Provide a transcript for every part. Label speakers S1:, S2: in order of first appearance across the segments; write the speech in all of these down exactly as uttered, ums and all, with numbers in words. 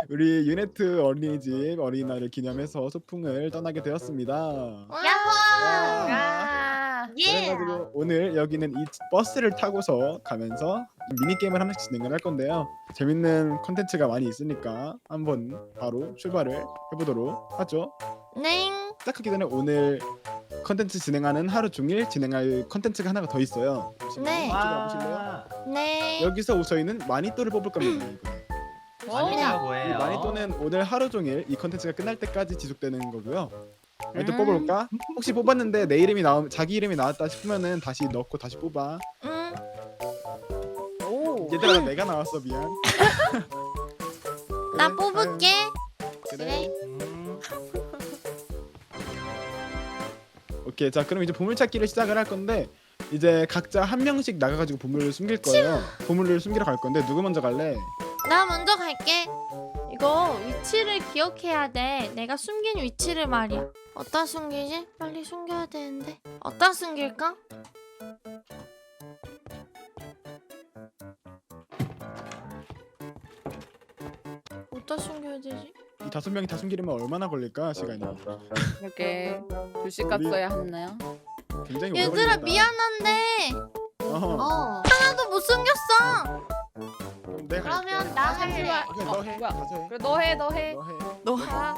S1: 우리 유네트 어린이집 어린이날을 기념해서 소풍을 떠나게 되었습니다.
S2: 야호!
S3: 아,
S2: 예!
S1: 그래가지고 오늘 여기는 이 버스를 타고서 가면서 미니게임을 하나씩 진행을 할 건데요. 재밌는 컨텐츠가 많이 있으니까 한번 바로 출발을 해보도록 하죠.
S2: 네.
S1: 시작하기 전에 오늘 컨텐츠 진행하는 하루 종일 진행할 컨텐츠가 하나가 더 있어요.
S2: 네.
S1: 이쪽으로 와보실래요?
S2: 네.
S1: 여기서 저희는 마니또를 뽑을 겁니다.
S3: 마니또가
S1: 이
S3: 뭐예요?
S1: 마니또는 오늘 하루 종일 이 컨텐츠가 끝날 때까지 지속되는 거고요. 마니또
S2: 음.
S1: 뽑아볼까? 혹시 뽑았는데 내 이름이 나오 자기 이름이 나왔다 싶으면은 다시 넣고 다시 뽑아.
S2: 음.
S3: 오.
S1: 얘들아 내가 나왔어 미안.
S2: 나
S1: 그래,
S2: 뽑을게.
S1: 아유, 그래.
S3: 음,
S1: 오케이 자 그럼 이제 보물찾기를 시작을 할 건데 이제 각자 한 명씩 나가가지고 보물을 숨길 거예요. 보물을 숨기러 갈 건데 누구 먼저 갈래?
S2: 나 먼저 갈게. 이거 위치를 기억해야 돼. 내가 숨긴 위치를 말이야. 어디다 숨기지? 빨리 숨겨야 되는데. 어디다 숨길까? 어디다 숨겨야 되지?
S1: 이 다섯 명이 다 숨기려면 얼마나 걸릴까 시간이?
S4: 이렇게 두 시
S1: 우리-
S4: 값어야 했나요?
S1: 굉장히 오래
S2: 얘들아
S1: 걸린다.
S2: 미안한데
S1: 어허.
S5: 어.
S2: 하나도 못 숨겼어.
S1: 그럼 내가 갈게.
S5: 그러면 나 할래.
S1: 오케이
S4: 어,
S1: 너 해.
S4: 뭐야?
S1: 가서 해.
S4: 그래 너 해, 너 해.
S1: 너 해.
S2: 너
S4: 아,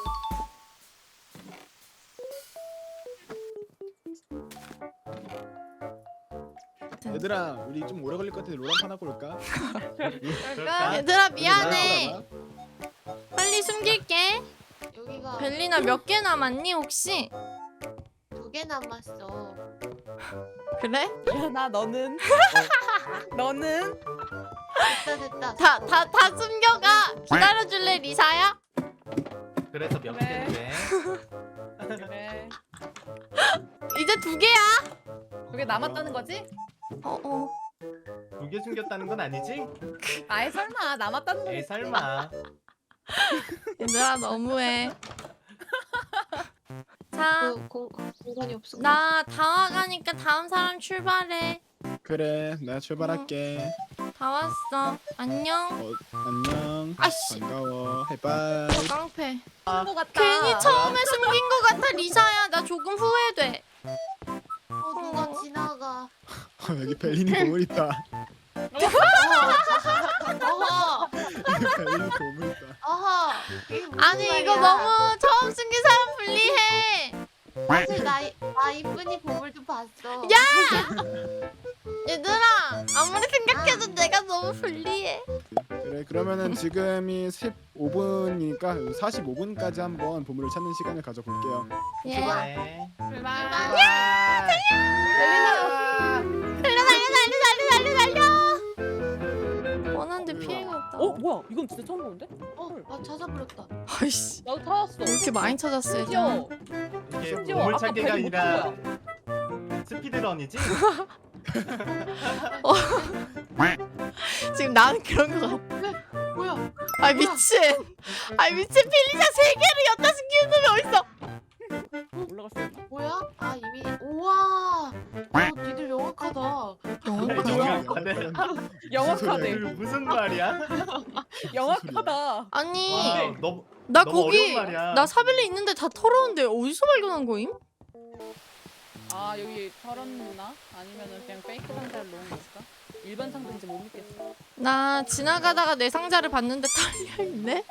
S1: 얘들아 우리 좀 오래 걸릴 것 같은데 롤한 하고 올까?
S3: 그럴까?
S2: 얘들아 미안해.
S1: 얘들아,
S2: 빨리 숨길게.
S5: 여기가
S2: 벨리나 몇 개 남았니 혹시?
S5: 두 개 남았어.
S2: 그래?
S4: 야, 너는 너는
S5: 됐다 됐다.
S2: 다 다 다 숨겨가. 기다려줄래 리사야?
S3: 그래서 몇
S4: 그래.
S3: 개인데?
S4: 그래.
S2: 이제 두 개야.
S4: 그게 남았다는 거지?
S2: 어 어.
S3: 두 개 숨겼다는 건 아니지?
S4: 아이 설마 남았다는
S3: 에이
S4: 거지?
S3: 설마.
S2: 얘들아 너무해. 자,
S5: 그 공, 공간이 없어.
S2: 나 다 와가니까 다음 사람 출발해.
S1: 그래 내가 출발할게.
S2: 다 왔어. 안녕.
S1: 어, 안녕.
S2: 아씨.
S1: 반가워. 해바이.
S2: 어, 깡패.
S4: 것 같다.
S2: 괜히 처음에 숨긴 거 같아 리사야. 나 조금 후회돼.
S5: 어 누가 지나가.
S1: 어, 여기 벨린이 보물 있다.
S5: 어허
S1: 여기 벨린이 보물 있다.
S5: 어허. 이게 무슨
S2: 아니 이거
S5: 말이야.
S2: 너무 처음 숨긴 사람 불리해.
S5: 사실 나, 이- 나 이쁜이 보물도 봤어.
S2: 야! 얘들아 아무리 생각해도 내가 너무 불리해.
S1: 그래 그러면은 지금이 십오 분이니까 사십오 분까지 한번 보물을 찾는 시간을 가져볼게요.
S2: 예.
S3: 네.
S4: 출발.
S2: 달려 달려 달려 달려 달려 달려. 원한데 피해가 없다.
S4: 어 뭐야? 이건 진짜 처음 보는데?
S5: 어, 나 찾아버렸다.
S2: 아이씨.
S4: 나도 찾았어.
S2: 왜 이렇게 많이 찾았어요?
S4: 심지어
S3: 이게
S4: 심지어
S3: 보물
S4: 아까
S3: 찾기가
S4: 벨못
S3: 아니라
S4: 본
S3: 스피드런이지?
S2: 지금 나는 그런 거 같아.
S5: 뭐야?
S2: 아 미친. 아 미친 필리자 세 개를 여기다 숨기는 놈이 어딨어?
S4: 거야. 올라갈 수 있나?
S5: 뭐야? 아 이미 우와. 어, 니들 명확하다.
S3: 영악하네.
S4: 영악하네.
S3: 그 무슨 말이야?
S4: 영악하다.
S2: 아니
S3: 와, 너
S2: 나
S3: 너무
S2: 거기
S3: 어려운 말이야.
S2: 나 사벨리 있는데 다 털었는데 어디서 발견한 거임?
S4: 아 여기 털었나? 아니면은 그냥 페이크 상자를 놓은 거 있을까? 일반 상자인지 못 믿겠어.
S2: 나 지나가다가 내 상자를 봤는데 털려 있네.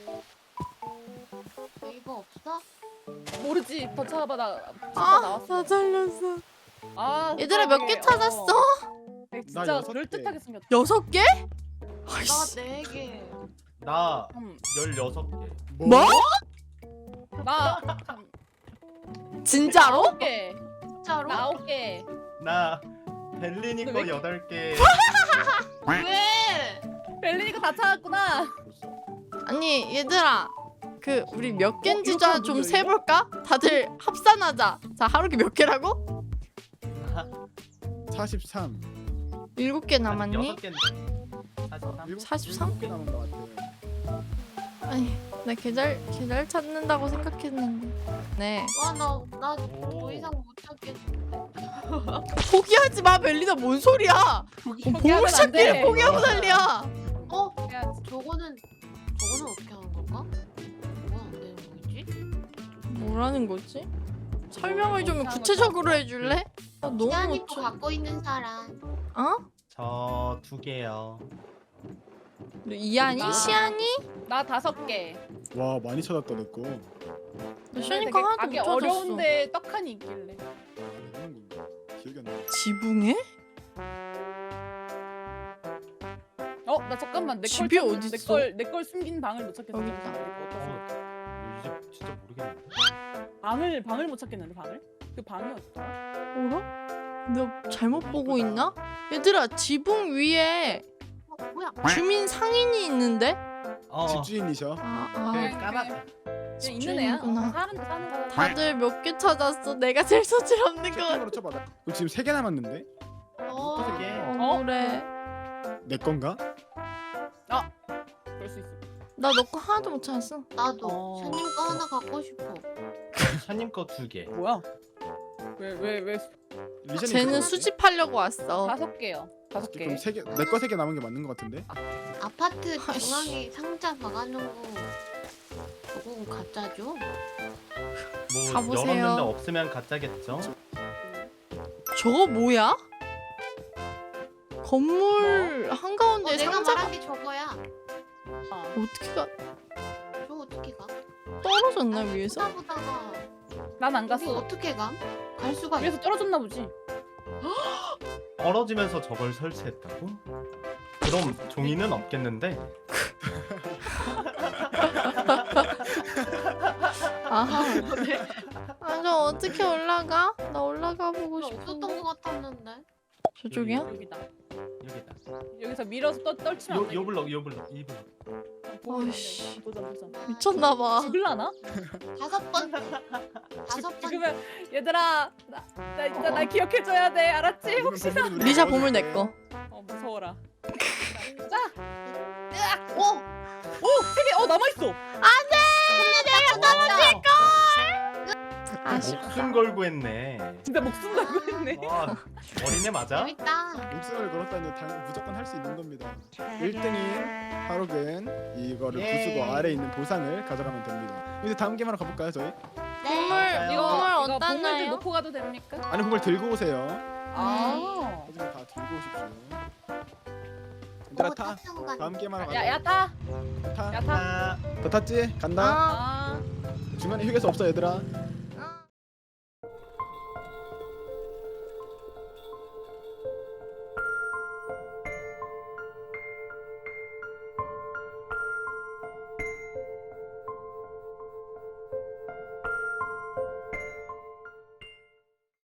S5: 네이버 없어?
S4: 모르지. 더 찾아봐. 나 진짜
S2: 아,
S4: 나왔어.
S2: 다 잘렸어.
S4: 아
S2: 얘들아 몇 개
S4: 세상에.
S2: 찾았어?
S4: 어.
S1: 나
S4: 진짜
S1: 여섯 개.
S4: 그럴듯하게 생겼다.
S2: 여섯 개?
S5: 나
S2: 아이씨.
S5: 네 개.
S3: 나
S4: 음,
S3: 열여섯 개.
S2: 뭐?
S4: 나
S2: 진짜로?
S4: 아홉 개.
S5: 진짜로?
S4: 나 아홉 개.
S3: 나 벨리니
S4: 너
S3: 거
S4: 왜
S3: 여덟 개.
S5: 왜?
S4: 벨리니가 다 찾았구나.
S2: 아니 얘들아 그 우리 몇 개인지
S4: 이렇게 하면
S2: 좀
S4: 문제
S2: 세볼까? 다들 합산하자. 자 하루కి 몇 개라고?
S1: 사십삼.
S2: 일곱 개 남았니?
S3: 여섯 개. 사십삼.
S2: 사십삼?
S1: 일곱 개 남은 것 같아.
S2: 아니 나 계절 계절 찾는다고 생각했는데. 네.
S5: 와나나더
S3: 오.
S5: 이상 못 찾겠는데.
S2: 포기하지 마 벨리나 뭔 소리야?
S4: 포기하면
S2: 보물
S4: 안
S2: 찾기를
S4: 돼.
S2: 포기하고 난리야.
S5: 어?
S4: 해야지.
S5: 저거는 저거는 어떻게 하는 건가? 뭐가 안 되는 거겠지?
S2: 뭐라는 거지? 설명을 좀 구체적으로 해줄래? 아, 너무
S5: 시안이
S2: 못
S5: 거
S2: 쳐.
S5: 갖고 있는 사람.
S2: 어?
S3: 저 두 개요.
S2: 너 이한이?
S4: 나-
S2: 시안이?
S4: 나 다섯 개.
S1: 와 많이 찾았다 내 거.
S2: 너 시안이 거 하나도 못
S4: 가기
S2: 찾았어.
S4: 어려운데 떡하니 있길래.
S1: 이런 건가? 기억이 안 나.
S2: 지붕에?
S4: 어, 나 잠깐만 내
S2: 집이
S4: 걸
S2: 어딨어?
S4: 내걸 내 걸 숨긴 방을 못 찾겠어.
S2: 여기 있다.
S3: 어, 이제 진짜 모르겠네.
S4: 방을 방을 못 찾겠는데 방을? 그 방이 어디더라?
S2: 어라? 내가 잘못 보고 있나? 얘들아 지붕 위에
S5: 어, 뭐야?
S2: 주민 상인이 있는데?
S3: 어,
S1: 집주인이셔.
S2: 아,
S3: 그
S2: 아
S3: 까만
S4: 그냥 있는 애야.
S2: 집주인이구나.
S4: 어, 사는 사는 거야.
S2: 다들 몇 개 찾았어. 내가 제일 소질 없는 거 같아.
S1: 채팅으로 쳐봐. 그럼 지금 세 개 남았는데?
S5: 어.
S3: 어떻게?
S2: 어, 그래.
S1: 내 건가?
S4: 그럴 수 있어.
S2: 나 너 거 하나도 못 찾았어.
S5: 나도.
S4: 어.
S5: 샤님 거 하나 갖고 싶어.
S3: 샤님 거 두 개.
S4: 뭐야? 왜 왜 왜
S1: 리샤님
S2: 쟤는
S1: 그거지?
S2: 수집하려고 왔어.
S4: 다섯 개요. 다섯 개.
S1: 그럼 세 개, 내 거 세 개 남은 게 맞는 것 같은데?
S5: 아파트
S2: 아이씨.
S5: 중앙에 상자 박아놓은 거. 저건 가짜죠?
S3: 뭐
S2: 가보세요.
S3: 열었는데 없으면 가짜겠죠?
S2: 저거 뭐야? 건물
S5: 어,
S2: 한가운데
S5: 내가
S2: 상자가
S5: 말한 게 저거야.
S4: 아,
S2: 어떻게 가?
S5: 저 어떻게 가?
S2: 떨어졌나 위에서?
S5: 보다 보다가
S4: 난안
S5: 우리
S4: 갔어.
S5: 어떻게 가? 갈 수가
S4: 위에서
S5: 있어.
S4: 떨어졌나 보지.
S3: 떨어지면서 저걸 설치했다고? 그럼 종이는 없겠는데?
S2: 아하. 아, 저 어떻게 올라가? 나 올라가 보고 싶어.
S5: 없었던 것 같았는데.
S2: 저쪽이야?
S4: 여기다.
S3: 여기다.
S4: 여기서 밀어서 떠, 떨치면 안
S3: 요,
S4: 돼.
S3: 요 블럭, 요 블럭, 이 블럭.
S2: 어이씨.
S4: 도전 도전.
S2: 미쳤나봐.
S4: 죽을라나?
S5: 다섯 번. 다섯 번.
S4: 죽으면 얘들아 나, 나 일단 날 기억해줘야 돼 알았지? 혹시
S2: 리샤 보물 내 거.
S4: 어 무서워라. 자,
S5: 오!
S4: 세개어 남아 있어.
S2: 아쉽다.
S3: 목숨 걸고 했네.
S4: 진짜 목숨 걸고 했네.
S3: 아, 어린애 맞아?
S5: 재밌다.
S1: 목숨을 걸었다니 당, 무조건 할 수 있는 겁니다. 일 등인 하록은 이거를
S3: 예.
S1: 부수고 아래에 있는 보상을 가져가면 됩니다. 이제 다음 게임하러 가볼까요 저희?
S2: 보물
S3: 맞아요.
S4: 이거
S2: 보물
S4: 이거
S2: 어디다
S4: 보물들
S2: 놔요?
S4: 놓고 가도 됩니까?
S1: 아니 그걸 들고 오세요.
S4: 아.
S1: 하지만 다 들고 오십시오.
S5: 어,
S1: 얘들아 타.
S5: 타고 가는
S1: 다음 게임하러 가자.
S4: 야야 타.
S1: 타.
S4: 야 타.
S3: 아,
S1: 더 탔지? 간다.
S2: 아,
S4: 아.
S1: 중간에 휴게소 없어 얘들아.